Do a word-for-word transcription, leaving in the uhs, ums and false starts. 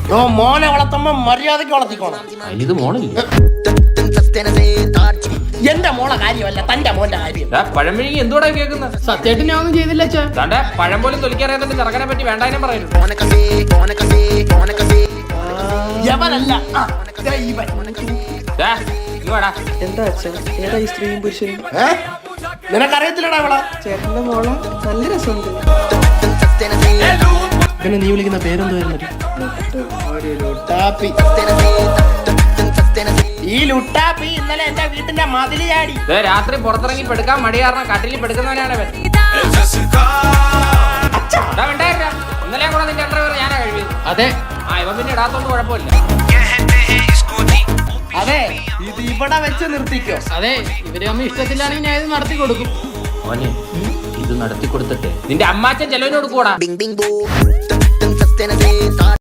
മോനെ വളർത്തുമ്പോ മര്യാദക്ക് വളർത്തിക്കോണം. ഇത് മോണില്ലേ? എന്റെ മോളെ കാര്യമല്ല, തന്റെ മോന്റെ കാര്യം. പഴംപിഴങ്ങി എന്തുകൂടെ കേൾക്കുന്നത്? സത്യമായിട്ട് ഞാൻ ഒന്നും ചെയ്തില്ല അച്ഛാ. താണ്ടെ പഴം പോലും തൊലിക്കറിയാതെ ചെറുക്കനെ പറ്റി വേണ്ടാനും പറയുന്നു. യവനല്ല എന്താ അച്ഛാ ഏതാ ഈ സ്ത്രീയും പുരുഷനും? നിനക്കറിയത്തില്ലടാ അവളെ. ചേട്ടന്റെ മോളെ നല്ല രസമുണ്ട്. പിന്നെ നീ വിളിക്കുന്ന പേരെന്തുവായിരുന്നു? ഈ ലുട്ടാപ്പി ഇന്നലെ എന്റെ വീട്ടിന്റെ മതില് ചാടി. രാത്രി പുറത്തിറങ്ങി പെടുക്കാൻ മടി കാരണം കട്ടിലിൽ പെടുക്കുന്നവനാണ് അവൻ. ഇന്നലെ കൂടെ നിന്റെ അണ്ടർവെയർ ഞാനാ കഴിവിയത്. അതെ. ആ ഇവ പിന്നെ ഇടാത്തോണ്ട് കുഴപ്പമില്ല. അതെ, ഇത് ഇവിടെ വെച്ച് നിർത്തിക്കോ. അതെ, ഇവര് അമ്മ ഇഷ്ടത്തിലാണെങ്കിൽ ഞാൻ ഇത് നടത്തി കൊടുക്കും. മോനെ ഇത് നടത്തി കൊടുത്തിട്ട് നിന്റെ അമ്മാച്ചൻ ചെലവിനോട് കൂടാ.